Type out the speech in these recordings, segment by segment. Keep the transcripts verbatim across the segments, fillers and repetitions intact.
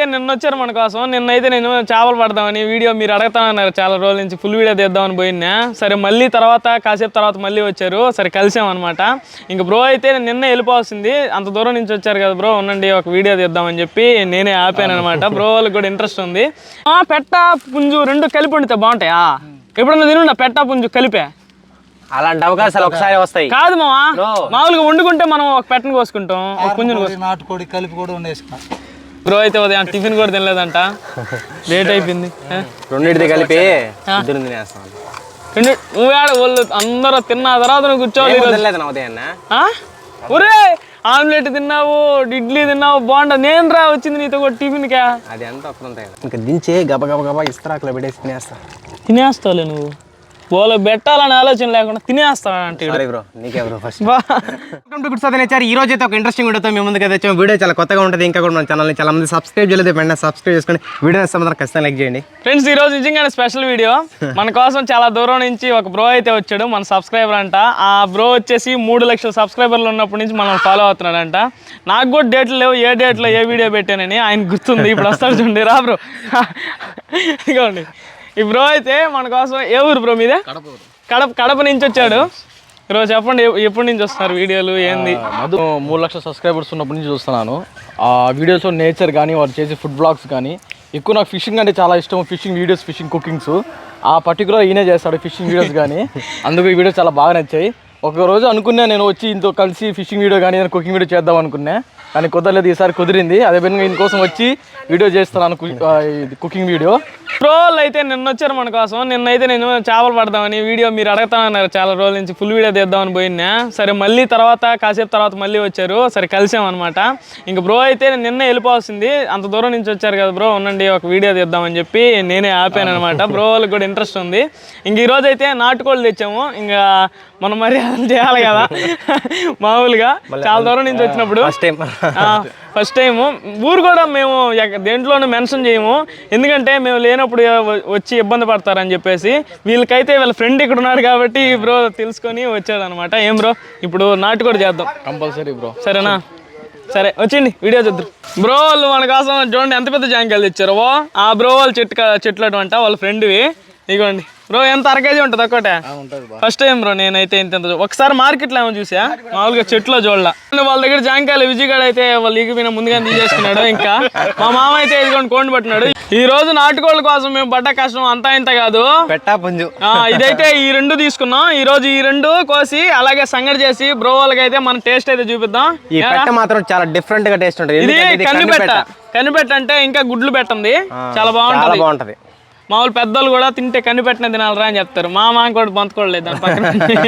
నిన్న వచ్చారు మన కోసం. నిన్నైతే నేను చేపలు పడదామని వీడియో మీరు అడుగుతామన్నారు చాలా రోజుల నుంచి, ఫుల్ వీడియో తీద్దామని పోయినా. సరే మళ్ళీ తర్వాత కాసేపు తర్వాత మళ్ళీ వచ్చారు, సరే కలిసామన్నమాట. ఇంక బ్రో అయితే నిన్న వెళ్ళిపోవాల్సింది, అంత దూరం నుంచి వచ్చారు కదా బ్రో, ఉండండి ఒక వీడియో తీద్దామని చెప్పి నేనే ఆపాను అనమాట. బ్రో వాళ్ళకి కూడా ఇంట్రెస్ట్ ఉంది. పెట్ట పుంజు రెండు కలిపి వండితే బాగుంటాయా? ఎప్పుడన్నా తినుండా పెట్ట పుంజు కలిపే? అలాంటి అవకాశాలు ఒకసారి వస్తాయి. కాదు మామా, మామూలుగా వండుకుంటే మనం ఒక పెట్టను కోసుకుంటాం, ఒక పుంజును నాటుకోడి కలిపి కూడా వండేసుకున్నాం. బ్రో అయితే ఉదయం టిఫిన్ కూడా తినలేదంట, లేట్ అయిపోయింది. రెండింటిది కలిపి ఇద్దరు తినేస్తాం. రెండు నువ్వు వాళ్ళు అందరూ తిన్న తర్వాత నువ్వు కూర్చోవాలి. ఉదయాన్న ఒరే ఆమ్లెట్ తిన్నావు, ఇడ్లీ తిన్నావు, బాగుంటా. నేను రా వచ్చింది నీతో కూడా టిఫిన్ కా. అది ఎంత ఒక్కరుంటాయి ఇంకా దించే గబ గబ గబా ఇస్తరాకులో పెట్టేసి తినేస్తా. తినేస్తావులే నువ్వు, బోలో పెట్టాలని ఆలోచన లేకుండా తినేస్తాను అంటే. బ్రో నీకే bro first welcome to good సదన్ హెచ్ఆర్. ఈ రోజు అయితే ఒక ఇంట్రెస్టింగ్ వీడియోతో మేము ముందుకు అయితే వచ్చాము. వీడియో చాలా కొత్తగా ఉంటుంది, ఇంకా కూడా మన ఛానల్ని చాలా మంది సబ్స్క్రైబ్ చేయలేదు, వెంటనే సబ్స్క్రైబ్ చేసుకొని వీడియో నచ్చితే ఖచ్చితంగా లైక్ చేయండి ఫ్రెండ్స్. ఈ రోజు నిజంగానే స్పెషల్ వీడియో. మన కోసం చాలా దూరం నుంచి ఒక బ్రో అయితే వచ్చాడు, మన సబ్స్క్రైబర్ అంట. ఆ బ్రో వచ్చేసి మూడు లక్షల సబ్స్క్రైబర్లు ఉన్నప్పటి నుంచి మనం ఫాలో అవుతున్నాడంట. నాకు కూడా డేట్లు లేవు, ఏ డేట్లో ఏ వీడియో పెట్టానని ఆయన గుర్తుంది. ఇప్పుడు వస్తాడు చూడండి, రా బ్రో. ఇదిగోండి ఈ బ్రో అయితే మన కోసం. ఏ ఊరు బ్రో మీదే? కడప. కడప నుంచి వచ్చాడు. ఈరోజు చెప్పండి, ఎప్పటి నుంచి వస్తున్నారు వీడియోలు ఏంది? మధు మూడు లక్షల సబ్స్క్రైబర్స్ ఉన్నప్పటి నుంచి చూస్తున్నాను. ఆ వీడియోస్లో నేచర్ కానీ వారు చేసే ఫుడ్ బ్లాగ్స్ కానీ ఎక్కువ నాకు ఫిషింగ్ అంటే చాలా ఇష్టం. ఫిషింగ్ వీడియోస్, ఫిషింగ్ కుకింగ్స్ ఆ పర్టికులర్ ఈయనే చేస్తాడు ఫిషింగ్ వీడియోస్ కానీ. అందుకు ఈ వీడియోస్ చాలా బాగా నచ్చాయి. ఒక రోజు అనుకున్నా నేను వచ్చి ఇంతో కలిసి ఫిషింగ్ వీడియో కానీ కుకింగ్ వీడియో చేద్దాం అనుకున్నా, కానీ కుదరలేదు. ఈసారి కుదిరింది. అదే విధంగా ఇందుకోసం వచ్చి వీడియో చేస్తున్నాను, కుకింగ్ వీడియో. ట్రోల్ అయితే నిన్న వచ్చారు మన కోసం. నిన్నైతే నేను చేపలు పడదామని వీడియో మీరు అడుగుతామన్నారు చాలా రోజుల నుంచి, ఫుల్ వీడియో తీద్దామని పోయినా. సరే మళ్ళీ తర్వాత కాసేపు తర్వాత మళ్ళీ వచ్చారు, సరే కలిసామన్నమాట. ఇంక బ్రో అయితే నిన్న వెళ్ళిపోవాల్సింది, అంత దూరం నుంచి వచ్చారు కదా బ్రో, ఉండండి ఒక వీడియో తీద్దామని చెప్పి నేనే ఆపాను అనమాట. బ్రో వాళ్ళకి కూడా ఇంట్రెస్ట్ ఉంది. ఇంక ఈరోజు అయితే నాటుకోళ్ళు తెచ్చాము. ఇంకా మనం మర్యాదలు చేయాలి కదా మామూలుగా, చాలా దూరం నుంచి వచ్చినప్పుడు. ఫస్ట్ టైం ఫస్ట్ టైము ఊరు కూడా మేము దేంట్లోనూ మెన్షన్ చేయము, ఎందుకంటే మేము లేనప్పుడు వచ్చి ఇబ్బంది పడతారని చెప్పేసి. వీళ్ళకైతే వీళ్ళ ఫ్రెండ్ ఇక్కడ ఉన్నాడు కాబట్టి బ్రో తెలుసుకొని వచ్చాడు అనమాట. ఏం బ్రో ఇప్పుడు నాటు కూడా చేద్దాం కంపల్సరీ బ్రో, సరేనా? సరే వచ్చేయండి వీడియో చూద్దాం. బ్రో వాళ్ళు మన కోసం చూడండి ఎంత పెద్ద జాంకాయలు తెచ్చారు. ఓ ఆ బ్రో వాళ్ళు చెట్టు చెట్లు అంట వాళ్ళ ఫ్రెండ్వి. ఇదిగోండి బ్రో, ఎంత అర కేజీ ఉంటుంది ఒక్కటే. ఫస్ట్ టైం బ్రో నేనైతే ఇంత ఒకసారి మార్కెట్లో ఏమో చూసా, మామూలుగా చెట్లో చూడాల. వాళ్ళ దగ్గర జాంకాయలు విజయగాడు అయితే వాళ్ళు ఈగిపోయిన ముందుగా తీసేసుకున్నాడు. ఇంకా మా మామ అయితే ఇదిగోండి కోండి పట్టినాడు. ఈ రోజు నాటుకోళ్ళ కోసం మేము పడ్డ కష్టం అంతా ఇంత కాదు. పెట్టా పుంజు ఇదైతే ఈ రెండు తీసుకున్నాం. ఈ రోజు ఈ రెండు కోసి అలాగే సంగటి చేసి బ్రో వాళ్ళకి అయితే మన టేస్ట్ అయితే చూపిద్దాం. ఈ పెట్ట మాత్రం చాలా డిఫరెంట్ గా టేస్ట్ ఉంటుంది. ఇది కనిపెట్ట. కనిపెట్ట అంటే ఇంకా గుడ్లు పెట్టండి, చాలా బాగుంటుంది బాగుంటది మామూలు పెద్దోళ్ళు కూడా తింటే కనిపెట్టిన తినాలరా అని చెప్తారు. మా మామ కూడా బంతుకోలేదు దాని పక్కన.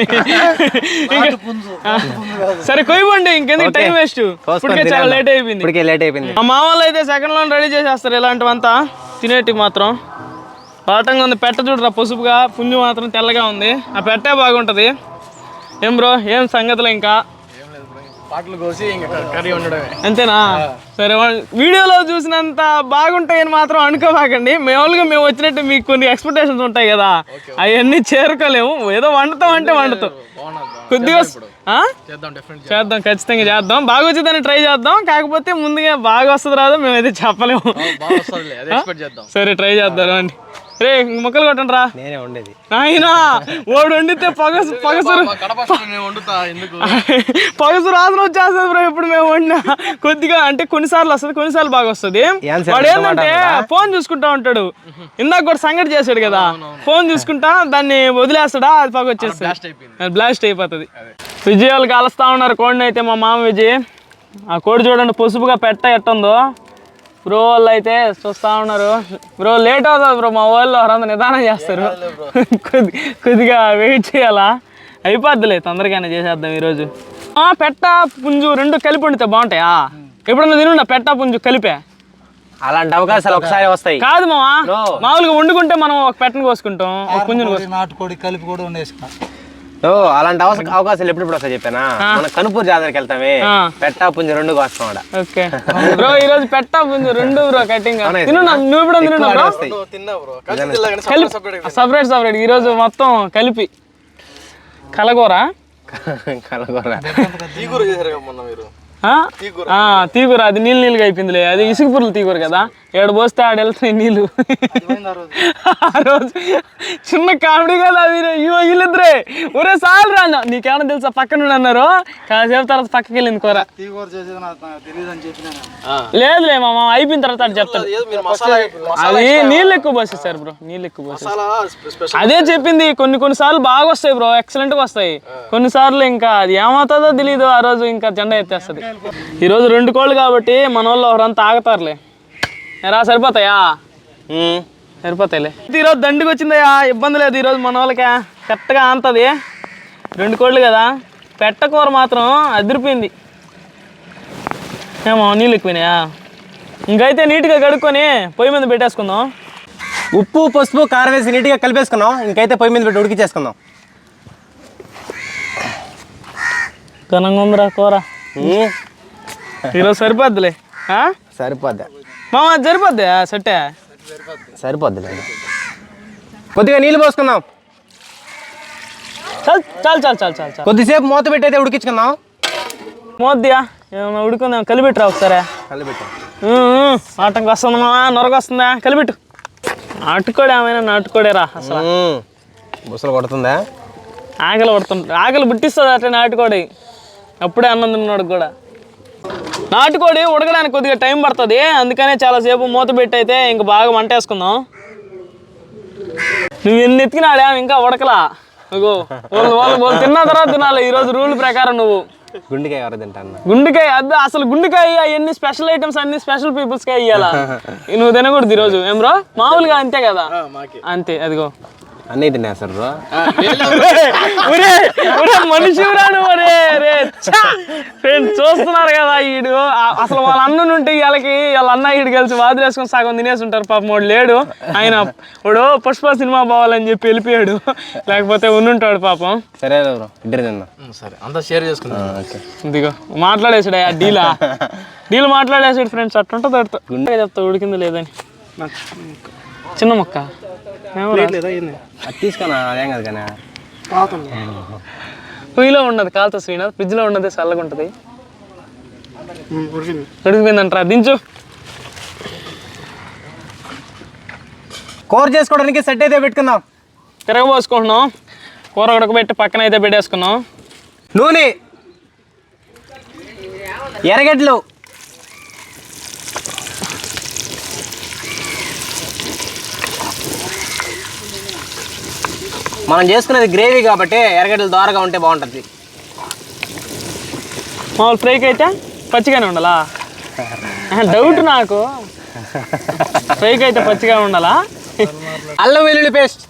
సరే కొయ్యండి, ఇంకెందుకు టైం వేస్ట్, ఇప్పటికే చాలా లేట్ అయిపోయింది. లేట్ అయిపోయింది మా మామ వాళ్ళు అయితే సెకండ్ లో రెడీ చేసేస్తారు ఇలాంటివంతా. తినేటి మాత్రం బాటంగా ఉంది. పెట్ట చూడరా పసుపుగా, పుంజు మాత్రం తెల్లగా ఉంది. ఆ పెట్టే బాగుంటది. ఏం బ్రో ఏం సంగతులు? ఇంకా పాటలు కోసి ఇంకా కర్రీ ఉండడమే అంతేనా? సరే వీడియోలో చూసినంత బాగుంటాయని మాత్రం అనుకోమాకండి. మామూలుగా మేము వచ్చినట్టు మీకు కొన్ని ఎక్స్పెక్టేషన్స్ ఉంటాయి కదా, అవన్నీ చేరుకోలేము. ఏదో వండుతాం అంటే వండుతాం. కొద్దిగా చేద్దాం, ఖచ్చితంగా చేద్దాం. బాగా వచ్చిందని ట్రై చేద్దాం. కాకపోతే ముందుగా బాగా వస్తుంది రాదో మేమైతే చెప్పలేము. సరే ట్రై చేద్దాం అండి. రే మొక్కలు కొట్టండి రా. నేనే వండేది అయినా వాడు వండితే పగసు పగసురు పగసు రాత్రి వచ్చేస్తుంది బ్రో. ఇప్పుడు మేము వండినా కొద్దిగా అంటే కొన్నిసార్లు వస్తుంది, కొన్నిసార్లు బాగా వస్తుంది. వాడు ఏంటంటే ఫోన్ చూసుకుంటా ఉంటాడు. ఇందాక కూడా సంగటి చేశాడు కదా, ఫోన్ చూసుకుంటా దాన్ని వదిలేస్తాడా, అది పగ వచ్చేస్తుంది, బ్లాస్ట్ అయిపోతుంది. విజయాలు కలుస్తా ఉన్నారు కోడిని అయితే మా మామ విజయ్. ఆ కోడి చూడండి పసుపుగా పెట్ట ఎట్టుందో. బ్రో వాళ్ళు అయితే చూస్తూ ఉన్నారు. బ్రో లేట్ అవుతుంది బ్రో, మా వాళ్ళు ఎవరంతా నిదానం చేస్తారు. కొద్ది కొద్దిగా వెయిట్ చేయాలా, అయిపోద్దిలే తొందరగానే చేసేద్దాం ఈరోజు. పెట్ట పుంజు రెండు కలిపి వండితే బాగుంటాయా? ఎప్పుడన్నా తినుండా పెట్ట పుంజు కలిపే? అలాంటి అవకాశాలు ఒకసారి వస్తాయి. కాదు మామా, మామూలుగా వండుకుంటే మనం ఒక పెట్టను కోసుకుంటాం, ఒక పుంజుని కోసుకుంటాం. నాటుకోడి కలిపి కూడా వండేసుకున్నాం. అలాంటి అవకాశాలు ఎప్పుడు వస్తాయి చెప్పానా? మన కనుపూర్ జాతరకి వెళ్తామే, పెట్టా పుంజు రెండు కోస్తాం. ఓకే బ్రో ఈ రోజు పెట్టా పుంజు రెండు బ్రో కటింగ్ తిన్నా. నువ్వు ఇప్పుడు తిన్నా బ్రో? సపరేట్ సపరేట్ ఈ రోజు మొత్తం కలిపి. కలగూర కలగూర తీగూర అది నీళ్ళు నీళ్ళుగా అయిపోయిందిలే. అది ఇసుక పురులు తీగూర కదా, ఏడు పోస్తే ఆడ వెళ్తున్నాయి నీళ్ళు. ఆ రోజు చిన్న కామెడీ కదా అది. ఇవో వీళ్ళిద్దరే ఒరే సాలు రా నీకేమన్నా తెలుసా పక్కన అన్నారు. కాసేపు తర్వాత పక్కకి వెళ్ళింది కూర. లేదులే మామ అయిపోయిన తర్వాత అది చెప్తాడు. అది నీళ్ళు ఎక్కువ పోసేస్తారు బ్రో, నీళ్ళు ఎక్కువ పోసేస్తారు. అదే చెప్పింది. కొన్ని కొన్నిసార్లు బాగా వస్తాయి బ్రో, ఎక్సలెంట్ గా వస్తాయి. కొన్నిసార్లు ఇంకా అది ఏమవుతుందో తెలియదు. ఆ రోజు ఇంకా జెండా ఎత్తేస్తుంది. ఈరోజు రెండు కోళ్ళు కాబట్టి మన వాళ్ళు ఎవరంతా ఆగుతారులే. ఎరా సరిపోతాయా? సరిపోతాయిలే. ఈరోజు దండికి వచ్చిందయ్యా, ఇబ్బంది లేదు. ఈరోజు మన వాళ్ళకి కరెక్ట్గా అంతది. రెండు కోళ్ళు కదా, పెట్టకూర మాత్రం అదిరిపోయింది. ఏమో నీళ్ళు ఎక్కువనాయా? ఇంకైతే నీట్గా కడుక్కొని పొయ్యి మీద పెట్టేసుకుందాం. ఉప్పు పసుపు కారం వేసి నీట్గా కలిపేసుకున్నాం. ఇంకైతే పొయ్యి మీద పెట్టి ఉడికిచ్చేసుకుందాం. ఘనంగా ఉందిరా కూర. ఈరోజు సరిపోద్దులే. సరిపోద్ది మామ, సరిపోద్ది సట్టే సరిపోద్ది. కొద్దిగా నీళ్ళు పోసుకుందాం. చాలు చాలు చాలు చాలు చాలు చాలు కొద్దిసేపు మూత పెట్టి అయితే ఉడికించుకుందాం. మోద్దియా ఏమన్నా ఉడుకుందాం. కలిపెట్టురా ఒకసారి. కలిపెట్టు. ఆటంకి వస్తుందా, నొరగ వస్తుందా? కలిపెట్టు. నాటుకోడి ఏమైనా నాటుకోడేరా అసలు. బుసలు కొడుతుందా? ఆకలి పడుతుంది, ఆకలి పుట్టిస్తుంది అట్లా నాటుకోడి. అప్పుడే అన్నం తిన్నాడు కూడా. నాటుకోడి ఉడకడానికి కొద్దిగా టైం పడుతుంది. అందుకనే చాలాసేపు మూత పెట్టి అయితే ఇంక బాగా మంట వేసుకుందాం. నువ్వు ఎన్ని ఎత్తికినాడా ఇంకా ఉడకలా. నువ్వు వాళ్ళు వాళ్ళు వాళ్ళు తిన్న తర్వాత తినాలి. ఈరోజు రూల్ ప్రకారం నువ్వు గుండెకాయ ఎవరు తింటాను? గుండెకాయ అద్దు అసలు గుండెకాయ అవన్నీ స్పెషల్ ఐటమ్స్ అన్ని స్పెషల్ పీపుల్స్కే ఇయ్యాలా. నువ్వు తినకూడదు ఈరోజు. ఏం బ్రో మామూలుగా అంతే కదా, అంతే. అదిగో అన్నీ తినేస్తారు బ్రో. మనిషి ఫ్రెండ్స్ చూస్తున్నారు కదా ఈడు. అసలు వాళ్ళ అన్న ఉంటే వీళ్ళకి వాళ్ళ అన్న ఈడు కలిసి వాదిలేసుకొని సగం తినేసి ఉంటారు. పాపం వాడు లేడు. ఆయన వాడు పుష్ప సినిమా పోవాలని చెప్పి వెళ్ళిపోయాడు, లేకపోతే ఉండుంటాడు పాపం. సరే బ్రో, ఇద్దరు తిన్నా. సరే అంతా షేర్ చేసుకుందాం. ఇదిగో మాట్లాడేసాడు ఆ డీలా డీల్ మాట్లాడేసాడు ఫ్రెండ్స్. అట్టుంటుంది అడుతా గుండె చెప్తా ఉడికింది లేదని. చిన్న మొక్క తీసుకున్నా అదేం కాదు కానీ పొయ్యిలో ఉన్నది కాలుతో శ్రీనాథ్, ఫ్రిడ్జ్లో ఉన్నది చల్లగా ఉంటుంది. ఉడికిపోయిందంటారా? దించు. కూర చేసుకోవడానికి సెట్ అయితే పెట్టుకుందాం. తిరగబోసుకుంటున్నాం. కూర ఉడకబెట్టి పక్కన అయితే పెట్టేసుకున్నాం. నూనె, ఎర్రగడ్డలు, మనం చేసుకునేది గ్రేవీ కాబట్టి ఎర్రగడ్డలు దోరగా ఉంటే బాగుంటుంది. మామూలు ఫ్రైకి అయితే పచ్చిగానే ఉండాలా? డౌట్ నాకు. ఫ్రైకి అయితే పచ్చిగా ఉండాలా? అల్లం వెల్లుల్లి పేస్ట్,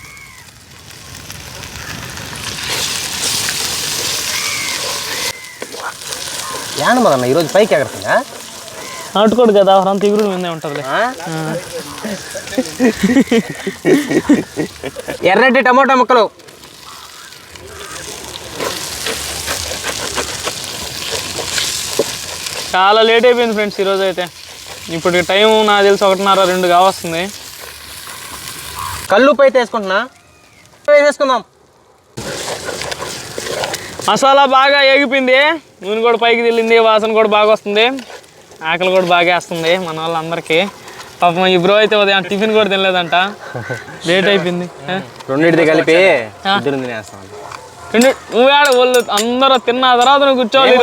యాన మదన్న ఈరోజు పైకి ఎగరుతుందా? నాటుకోడు కదా, అంత ఎగురు మీదే ఉంటుంది. ఎర్రటి టమోటా ముక్కలు, చాలా లేట్ అయిపోయింది ఫ్రెండ్స్ ఈరోజు అయితే. ఇప్పుడు టైం నాకు తెలిసి ఒకటిన్నర రెండు కావస్తుంది. కల్లుప్పు అయితే వేసుకుంటున్నా, వేసేసుకుందాం. మసాలా బాగా ఏగిపోయింది, నూనె కూడా పైకి తెల్లింది, వాసన కూడా బాగా వస్తుంది, ఆకలి కూడా బాగా వేస్తుంది మన వాళ్ళందరికీ. పాపం ఈ బ్రో అయితే ఉదయం టిఫిన్ కూడా తినలేదంట, లేట్ అయిపోయింది. రెండింటిది కలిపి ఇద్దరు తినేస్తాను. రెండు నువ్వే వాళ్ళు అందరూ తిన్న తర్వాత నువ్వు కూర్చోవాలి.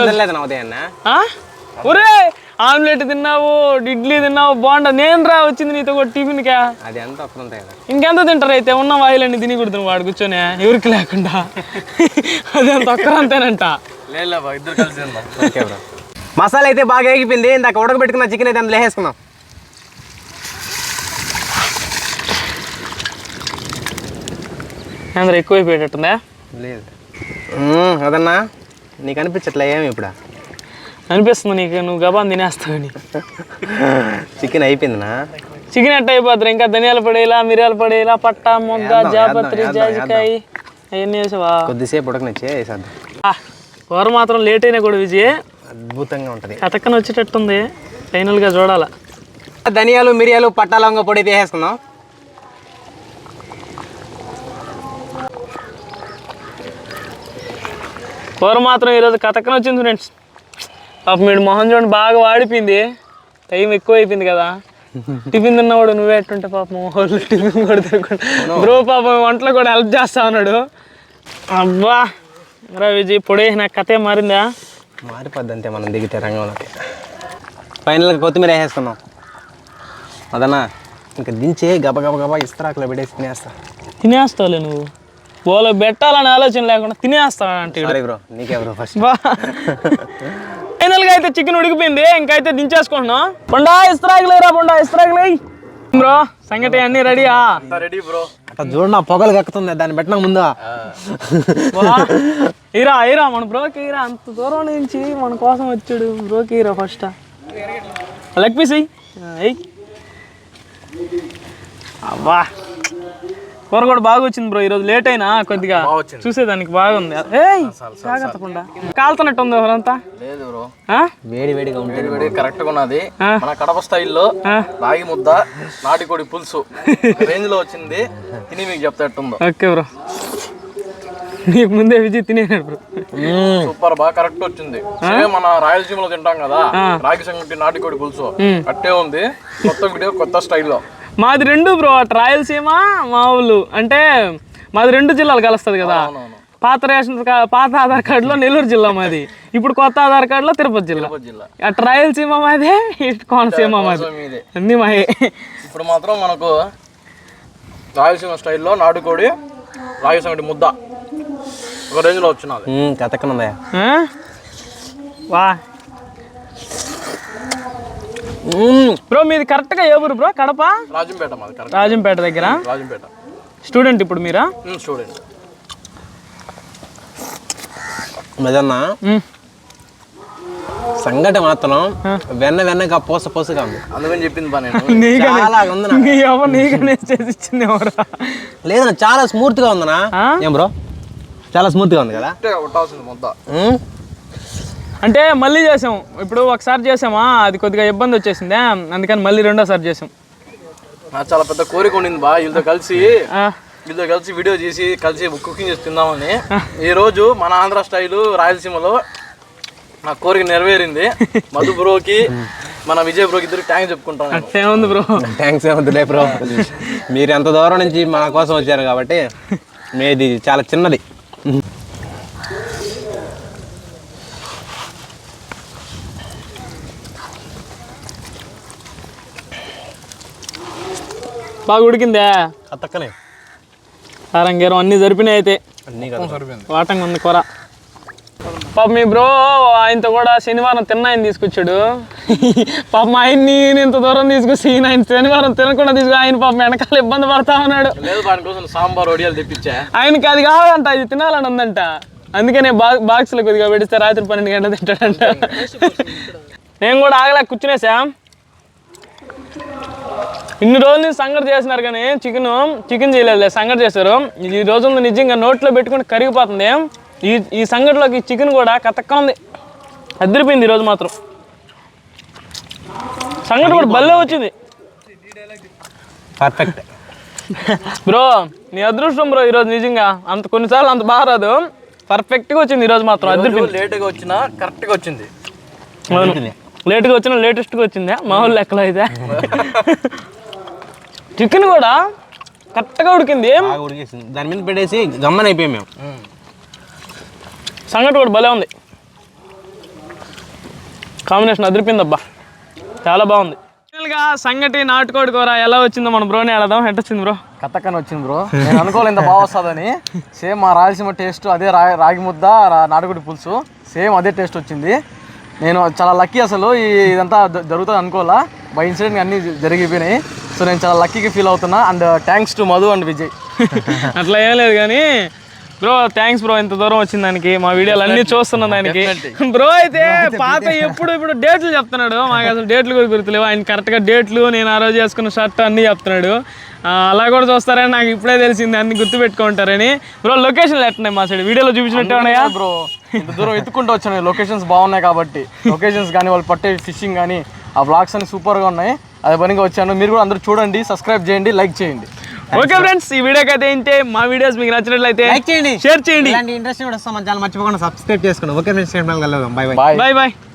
ఒరే ఆమ్లెట్ తిన్నావు, ఇడ్లీ తిన్నావు, బాగుంటా. నేను రా వచ్చింది నీతో కూడా టిఫిన్కా. అది ఎంత కదా, ఇంకెంత తింటారు అయితే? ఉన్న వాయిలన్నీ తిని కుడుతున్నావు వాడు కూర్చొని ఎవరికి లేకుండా. అది అంత ఒక్కరంతేనంట. మసాలా అయితే బాగా ఏగిపోయింది. ఇందాక ఉడకబెట్టుకున్న చికెన్ అయితే అందులో వేసుకుందాం. అందరూ ఎక్కువైపోయేటట్టుందా? లేదు అదన్నా నీకు అనిపించట్లే ఏమి ఇప్పుడు? అనిపిస్తుంది నీకు, నువ్వు గబాన్ తినేస్తావని. చికెన్ అయిపోయిందినా? చికెన్ ఎట్ట అయిపోతుంది? ఇంకా ధనియాలు పడేలా, మిరియాలు పడేలా, పట్ట, మొగ్గ, జాపత్రి, జాజికాయ అవన్నీ వేసావా? కొద్దిసేపు ఉడకనిచ్చే వేసేద్దాం. కూర మాత్రం లేట్ అయినా కూడా విజయ్ అద్భుతంగా ఉంటుంది. కథక్కన వచ్చేటట్టుంది. ఫైనల్గా చూడాల. ధనియాలు, మిరియాలు, పట్ట, లవంగ పొడి అయితే వేసుకుందాం. కూర మాత్రం ఈరోజు కథక్కన వచ్చింది ఫ్రెండ్స్. పాపం మీరు మొహం చూడండి బాగా వాడిపోయింది, టైం ఎక్కువ అయిపోయింది కదా. టిఫిన్ తిన్నవాడు నువ్వే ఎట్టుంటే పాపం వాళ్ళు టిఫిన్ కూడా తినకుండా బ్రో పాపం వంటలో కూడా హెల్ప్ చేస్తా ఉన్నాడు. అబ్బా రా విజయ్ పొడి నాకు కథ ఏం మారిందా? మారిపోద్ది అంతే మనం దిగితే రంగంలోకి. ఫైనల్గా కొత్తిమీర వేసేసుకున్నాం అదన్నా, ఇంకా దించే గబ గబ గబా ఇస్తరాకులో పెట్టేసి తినేస్తా. తినేస్తావులే నువ్వు, వాళ్ళకి పెట్టాలని ఆలోచన లేకుండా తినేస్తావు అంటే బ్రో నీకే బ్రో ఫస్ట్. ఫైనల్గా అయితే చికెన్ ఉడికిపోయింది, ఇంకైతే దించేసుకుంటున్నాం. బొండా ఇస్తరాకులేరా, బొండా ఇస్తరాకులే బ్రో. సంగటి అన్ని రెడీయా? Ready bro. అట్లా చూడండి ఆ పొగలు కక్కుతుంది, దాన్ని పెట్టినా ముందు ఈరా ఈరా మన బ్రోకి ఈరా, అంత దూరం నుంచి మన కోసం వచ్చాడు బ్రోకి ఈరా. ఫస్ట్ లెగ్ పీస్ అయ్యి. అబ్బా కూర కూడా బాగా వచ్చింది బ్రో. ఈరోజు లేట్ అయినా కొద్దిగా చూసేదానికి బాగుంది. ఏయ్ జాగ్రత్తకుండా కాలుతున్నట్టు ఉంది ఎవరంతా. లేదు బ్రో, వేడి వేడిగా ఉంటుంది, వేడి వేడి కరెక్ట్ గా ఉన్నది. మన కడప స్టైల్లో రాగి ముద్ద నాటికోడి పులుసు రేంజ్ లో వచ్చింది. తిని మీకు చెప్తాట్టుందో. ఓకే బ్రో, నీకు ముందే విజయ్ తినేనాడు బ్రో. సూపర్ బాగా కరెక్ట్ వచ్చింది. మన రాయలసీమలో తింటాం కదా రాగి సంగటి నాటికోడి పులుసు, అట్టే ఉంది. కొత్త వీడియో కొత్త స్టైల్లో. మాది రెండు బ్రో, అటు రాయలసీమ మా ఊళ్ళు. అంటే మాది రెండు జిల్లాలు కలుస్తుంది కదా. పాత రేషన్ పాత ఆధార్ కార్డులో నెల్లూరు జిల్లా మాది, ఇప్పుడు కొత్త ఆధార్ కార్డులో తిరుపతి జిల్లా. అటు రాయలసీమ మాదే, ఇటు కోనసీమ మాది, అన్ని మాయే. ఇప్పుడు మాత్రం మనకు రాయలసీమ స్టైల్లో నాటుకోడి రాగి సంగటి ముద్ద ఒక రేంజ్ లో వచ్చినది. కథకనుందా వా బ్రో. మీది కరెక్ట్ గా ఏ ఊరు బ్రో? కడప రాజంపేట మాది. రాజంపేట దగ్గర. రాజంపేట. స్టూడెంట్ ఇప్పుడు మీరా? స్టూడెంట్. నిజన్నా సంగటి మాత్రం వెన్న వెన్నగా పోస పోసగా ఉంది. అందుకని చెప్పింది పని లేదన్నా, చాలా స్మూత్ గా ఉందనా. ఏం బ్రో చాలా స్మూత్ గా ఉంది కదా. ముద్ద అంటే మళ్ళీ చేసాం. ఇప్పుడు ఒకసారి చేసామా, అది కొద్దిగా ఇబ్బంది వచ్చేసిందే, అందుకని మళ్ళీ రెండోసారి చేసాం. చాలా పెద్ద కోరిక ఉండింది బా వీళ్ళతో కలిసి వీళ్ళతో కలిసి వీడియో చేసి కలిసి కుకింగ్ చేసి తిందామని. ఈ రోజు మన ఆంధ్ర స్టైలు రాయలసీమలో నా కోరిక నెరవేరింది. మధు బ్రోకి మన విజయ్ బ్రోకి ఇద్దరు థ్యాంక్స్ చెప్పుకుంటాను. ఏముంది బ్రో, థ్యాంక్స్ ఏముందిలే బ్రో. మీరు ఎంత దూరం నుంచి మన కోసం వచ్చారు కాబట్టి మీది చాలా చిన్నది. బాగా ఉడికిందే. అత్తక్కనే కారం గీరం అన్నీ జరిపినాయి. అయితే వాటంగా ఉంది కూర. పాప మీ బ్రో ఆయనతో కూడా శనివారం తిన్న ఆయన తీసుకొచ్చాడు. పాప మా ఆయన్ని ఇంత దూరం తీసుకొచ్చి ఆయన శనివారం తినకుండా తీసుకు ఆయన పాప వెనకాల ఇబ్బంది పడతా ఉన్నాడు. సాంబార్ వడియాలు తెప్పించా. ఆయనకి అది కావాలంట, ఇది తినాలని ఉందంట. అందుకనే బా బాక్స్లో కొద్దిగా పెడిస్తే రాత్రి పన్నెండు గంటలు తింటాడంట. నేను కూడా ఆగలేక కూర్చునేసా. ఇన్ని రోజులు నుంచి సంగటి చేసినారు కానీ చికెన్ చికెన్ చేయలేదు, సంగటి చేశారు. ఈ రోజు నిజంగా నోట్లో పెట్టుకుని కరిగిపోతుంది. ఈ ఈ సంగటిలోకి చికెన్ కూడా కతక్క ఉంది, అదిరిపోయింది ఈరోజు మాత్రం. సంగటి కూడా భలే వచ్చింది. పర్ఫెక్ట్ బ్రో, నీ అదృష్టం బ్రో. ఈరోజు నిజంగా అంత కొన్నిసార్లు అంత బాగా రాదు, పర్ఫెక్ట్గా వచ్చింది ఈరోజు మాత్రం. అదిరిపోయింది. లేట్గా వచ్చినా కరెక్ట్గా వచ్చింది. లేట్గా వచ్చినా లేటెస్ట్గా వచ్చిందా మా వాళ్ళు లెక్కలో అయితే. చికెన్ కూడా కరెక్ట్గా ఉడికింది, ఉడికేసింది. దాని మీద పెట్టేసి గమ్మన అయిపోయాం మేము. సంగటి కూడా భలే ఉంది, కాంబినేషన్ అదిరిపోయింది అబ్బా, చాలా బాగుంది. ఫైనల్గా సంగటి నాటుకోడి కూర ఎలా వచ్చిందో మన బ్రోనే అడదాం. ఎట్ వచ్చింది బ్రో? కథకని వచ్చింది బ్రో. నేను అనుకోలేదు ఇంత బాగా వస్తుందని. సేమ్ మా రాయలసీమ టేస్ట్ అదే, రా రాగి ముద్ద నాటుకోడి పులుసు సేమ్ అదే టేస్ట్ వచ్చింది. నేను చాలా లక్కీ అసలు. ఇదంతా జరుగుతుంది అనుకోవాలా, బై ఇన్సిడెంట్ అన్నీ జరిగిపోయినాయి. సో నేను చాలా లక్కీగా ఫీల్ అవుతున్నా. And thanks to Madhu and Vijay. అట్లా ఏం లేదు కానీ బ్రో, థ్యాంక్స్ బ్రో. ఇంత దూరం వచ్చింది దానికి, మా వీడియోలు అన్నీ చూస్తున్నాం దానికి. బ్రో అయితే పాత ఎప్పుడు ఇప్పుడు డేట్లు చెప్తున్నాడు, మాకు అసలు డేట్లు కూడా గుర్తులేవు. ఆయన కరెక్ట్గా డేట్లు, నేను ఆ రోజు చేసుకున్న షర్ట్ అన్నీ చెప్తున్నాడు. అలా కూడా చూస్తారని నాకు ఇప్పుడే తెలిసింది, అన్ని గుర్తుపెట్టుకుంటారని. బ్రో లొకేషన్లు ఎట్టున్నాయి మా సైడ్ వీడియోలో చూపించినట్టే ఉన్నాయా బ్రో? ఇంత దూరం ఎత్తుకుంటూ వచ్చాను, లొకేషన్స్ బాగున్నాయి కాబట్టి. లొకేషన్స్ కానీ వాళ్ళు పట్టే ఫిషింగ్ కానీ ఆ వ్లాగ్స్ అన్ని సూపర్గా ఉన్నాయి. అదే పనిగా వచ్చాను. మీరు కూడా అందరూ చూడండి, సబ్స్క్రైబ్ చేయండి, లైక్ చేయండి. ఓకే ఫ్రెండ్స్, ఈ వీడియోకి అయితే ఏంటి, మా వీడియోస్ మీకు నచ్చినట్లయితే లైక్ చేయండి, షేర్ చేయండి. ఇలాంటి ఇంట్రెస్టింగ్ కూడా వస్తాం మన ఛానల్ మర్చిపోకుండా సబ్స్క్రైబ్ చేసుకోండి. Okay friends, bye bye bye.